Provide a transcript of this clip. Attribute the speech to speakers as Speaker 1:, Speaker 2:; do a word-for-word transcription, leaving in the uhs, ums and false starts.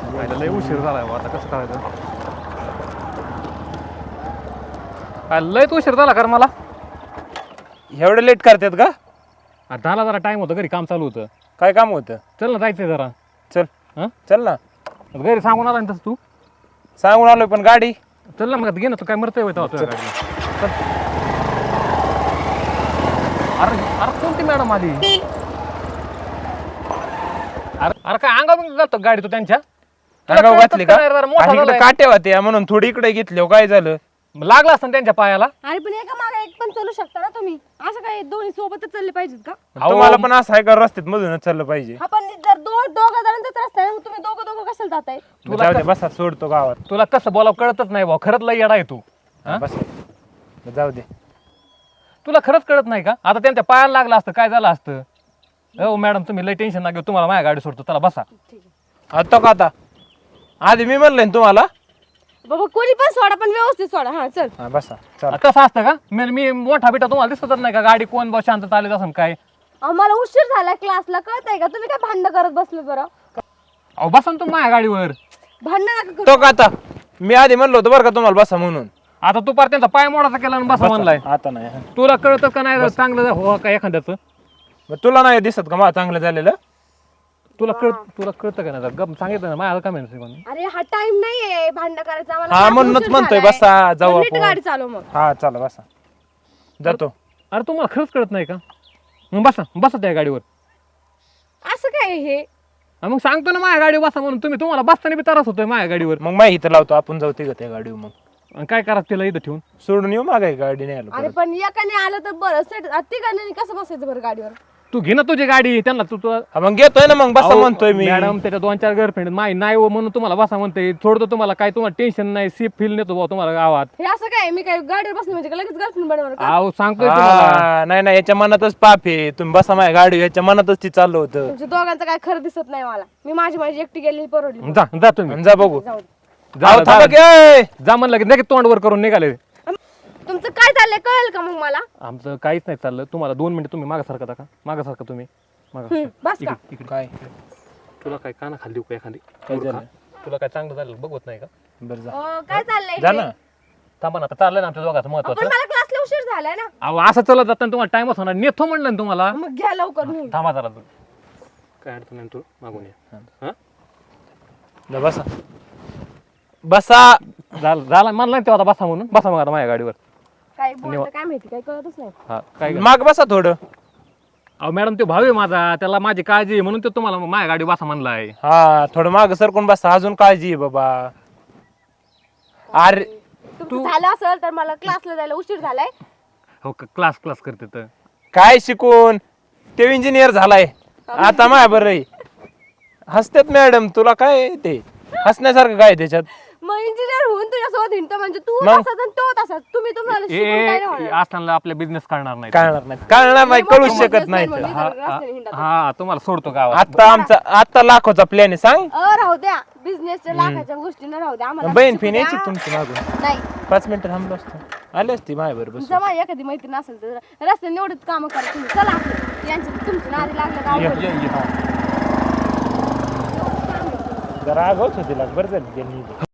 Speaker 1: खायला लय उशीर झालाय बा, आता कसं करायचं? काय लयच उशीर झाला कर मला.
Speaker 2: एवढं लेट करतात का?
Speaker 1: आ, झाला जरा टाइम होतं, घरी काम चालू होतं.
Speaker 2: काय काम होतं?
Speaker 1: चल ना जायचंय जरा.
Speaker 2: चल
Speaker 1: हां
Speaker 2: चल ना.
Speaker 1: घरी सांगून आला ना तसं तू.
Speaker 2: सांगून आलोय पण गाडी.
Speaker 1: चल ना मग घे ना, तू काय मरतोय होता तुझ्या गाडीला. चल. अरे अरे कोणती मॅडम आली? अरे अरे काय अंगावर जातो गाडी तू त्यांच्या?
Speaker 2: अंगावर घातली का?
Speaker 1: जरा मोठा
Speaker 2: आणि इकडे
Speaker 1: झालाय.
Speaker 2: काटे होते म्हणून थोडी इकडे घेतली. काय झालं?
Speaker 1: लागला असतं ना त्यांच्या पायाला.
Speaker 3: अरे पण एका मागे एक पण चालू शकता ना तुम्ही. असं काय दोन्ही सोबतच चालले पाहिजेत का?
Speaker 2: तुम्हाला पण असं आहे का रस्त्यात मधूनच चाललं पाहिजे?
Speaker 3: हा पण जर दोन दोघं जणांचाच रस्ता आहे, मग तुम्ही दोघं दोघं कशाला जाताय?
Speaker 1: तुला
Speaker 2: जाऊ दे
Speaker 1: क-
Speaker 2: बसा, सोडतो गावात.
Speaker 1: तुला कसं बोलावं कळतच नाही भाऊ, खरंच लय येडा आहे तू. हा?
Speaker 2: बस जाऊ दे.
Speaker 1: तुला खरंच कळत नाही का? आता त्यांच्या पायाला लागलं असतं काय झालं असतं? हो मॅडम तुम्ही लय टेन्शन ना घेऊ, तुम्हाला माझ्या गाडी सोडतो, चला बसा.
Speaker 2: आता का आता आधी मी म्हणलं ना तुम्हाला.
Speaker 3: बाबा कोणी पण सोडा, पण व्यवस्थित सोडा. हा चल.
Speaker 2: हा बसा चला.
Speaker 1: कसं असतं का? मी मी मोठा बिटा तुम्हाला दिसतच नाही का? गाडी कोण बस शांत चालत असं काय?
Speaker 3: आम्हाला उशीर झाला क्लासला, कळतंय का? तुम्ही काय भांडण करत बसले बरं?
Speaker 1: अहो बसा ना तुम्ही माझ्या गाडीवर.
Speaker 3: भांडण नका करू.
Speaker 2: तो का आता मी आधी म्हणलो होतो बरं का तुम्हाला बसा म्हणून.
Speaker 1: आता तू पार त्यांचा पाय मोडाचा केला आणि बसा म्हणलाय.
Speaker 2: आता नाही.
Speaker 1: तुला कळतं का नाही चांगलं हो का एखाद्याचं?
Speaker 2: मग तुला नाही दिसत का मला चांगलं झालेलं?
Speaker 1: तुला कळ तुला कळतं का नाही? गप सांगितलं ना माझ्या का कोणी.
Speaker 3: अरे हा टाइम नाहीये भांडण करायचा आम्हाला.
Speaker 2: हा
Speaker 3: क्लासला
Speaker 2: म्हणूनच
Speaker 3: उशीर
Speaker 2: म्हणतोय
Speaker 3: झालाय.
Speaker 2: बसा जाऊ
Speaker 3: नीट
Speaker 2: आपण.
Speaker 3: गाडी चालव मग.
Speaker 2: हा चला बसा जातो.
Speaker 1: अरे तुम्हाला खरंच कळत नाही का? मग बसा बसा त्या गाडीवर.
Speaker 3: असं काय हे?
Speaker 1: आणि मग सांगतो ना माझ्या गाडीवर बसा म्हणून, तुम्ही तुम्हाला बसताना बी त्रास होतोय माझ्या गाडीवर.
Speaker 2: मग माहिती इथं लावतो, आपण जाऊ तिघं त्या गाडीवर. मग
Speaker 1: आणि काय करा तिला इथं ठेवून?
Speaker 2: सोडून येऊ मागाय गाडी नाही आलो
Speaker 3: अरे
Speaker 2: परत.
Speaker 3: पण एकाने आलं तर बरं, सेट तिघांनी कसं बसायचं बरं गाडीवर?
Speaker 1: तू घे ना तुझी गाडी, त्यांना तू तू-
Speaker 2: हा, मग घेतोय ना मग बसा
Speaker 1: अहो,
Speaker 2: म्हणतोय मी.
Speaker 1: मॅडम त्याच्या दोन चार गर्लफ्रेंड माही नाही हो म्हणून तुम्हाला बसा म्हणते. थोडं तुम्हाला काय तुम्हाला टेन्शन नाही, सेफ फील नेतो भाऊ तुम्हाला गावात.
Speaker 3: हे असं काय? मी काय गाडीवर बसले म्हणजे का लगेच गर्लफ्रेंड बनवणार का?
Speaker 1: अहो सांगतोय तुम्हाला.
Speaker 2: हा, नाही नाही याच्या मनातच पाप आहे. तुम्ही बसा माझ्या गाडी, याच्या मनातच ती चाललं होतं.
Speaker 3: तुमच्या दोघांचं काय खरं दिसत नाही मला. मी माझी माझी एकटी गेलेली परवडली.
Speaker 1: जा जा तुम्ही
Speaker 2: आणि जा बघू.
Speaker 3: जाऊ दे.
Speaker 1: जा,
Speaker 2: अहो, थांबा
Speaker 1: जा,
Speaker 2: की, ए!
Speaker 1: जा म्हणलं की लगेच तोंड वर करून निघाले.
Speaker 3: तुमचं काय चाललंय कळेल का मग मला?
Speaker 1: आमचं काहीच नाही चाललं. तुम्हाला दोन मिनिटं तुम्ही मागं सरकता का? मागं सरका तुम्ही मागं.
Speaker 3: हम्म, बस का?
Speaker 1: इकडे इकडे.
Speaker 2: काय
Speaker 1: तुला काय काना खाली देऊ का एखादी?
Speaker 2: काय झालं?
Speaker 1: तुला काय चांगलं झालं बघवत नाही का?
Speaker 2: बरं जा
Speaker 3: अं, काय चाललंय
Speaker 2: जा
Speaker 3: हे?
Speaker 2: ना.
Speaker 1: थांबा ना, आता चाललंय ना आमच्या दोघांचं
Speaker 3: पण
Speaker 1: महत्वाचं.
Speaker 3: मला क्लासला उशीर झालाय ना.
Speaker 1: अहो असं चलत जाताना तुम्हाला टाइमच होणार. नेतो म्हणलं ना तुम्हाला.
Speaker 3: मग घ्या लवकर नेऊन.
Speaker 1: थांबा जरा तू. काय अडचण नाही तू मागून ये. हा?
Speaker 2: जा बसा बसा.
Speaker 1: झालं झालं म्हणलं ना तेव्हा आता बसा म्हणून. बसा मग आता माझ्या गाडीवर.
Speaker 3: काय बोलतं काय माहिती, काय कळतच नाही.
Speaker 1: हा काय ग-
Speaker 2: माग बसा थोडं.
Speaker 1: अहो मॅडम ते भाऊ आहे माझा, त्याला माझी काळजी आहे म्हणून तो तुम्हाला माझ्या गाडी बसा म्हणलाय.
Speaker 2: हा थोडं माग सरकून बसा. अजून काळजी आहे बाबा. अरे
Speaker 3: तुमचं झालं असेल तर मला क्लासला जायला उशीर झालाय.
Speaker 1: हो क्लास क्लास करते तर.
Speaker 2: काय शिकून ते इंजिनियर झालाय आता माय बरं. हसतात मॅडम, तुला काय आहे ते हसण्यासारखं काय आहे त्याच्यात?
Speaker 3: मग इंजिनियर होऊन तुझ्यासोबत हिंडतो म्हणजे तू
Speaker 2: मग?
Speaker 3: तसाच आणि तो तसाच. तुम्ही तुम्हाला
Speaker 1: ए
Speaker 3: शिकून काय नाही
Speaker 1: ए,
Speaker 3: होणार.
Speaker 1: असताना आपल्या बिझनेस करणार नाही.
Speaker 2: कळणार नाही कळणार नाही
Speaker 3: मोठे
Speaker 2: कळूच शकत
Speaker 3: businessman
Speaker 2: नाही
Speaker 3: म्हणजे
Speaker 1: हा
Speaker 3: रस्त्याने हिंडतात.
Speaker 1: हा हा, तुम्हाला सोडतो गावात.
Speaker 2: आता आमचा आता लाखोचा प्लॅन आहे. सांग
Speaker 3: अ राहू द्या, बिझनेसच्या लाखाच्या गोष्टी न राहू द्या आम्हाला.
Speaker 2: बहीण
Speaker 3: शिकू
Speaker 2: फिन
Speaker 3: द्या.
Speaker 2: यायची तुमची मागून.
Speaker 3: नाही
Speaker 2: पाच मिनिटं थांबलो असतो, आले असती माझ्या बरोबर.
Speaker 3: जमा एखादी मैत्रीण असेल तर रस्त्याने एवढंच काम करा तुम्ही. चला आपलं. यांची तुमची नादी लागलं का अवघड आहे.
Speaker 2: जरा आगाऊच होती लाख बरं झाली त्यांनी.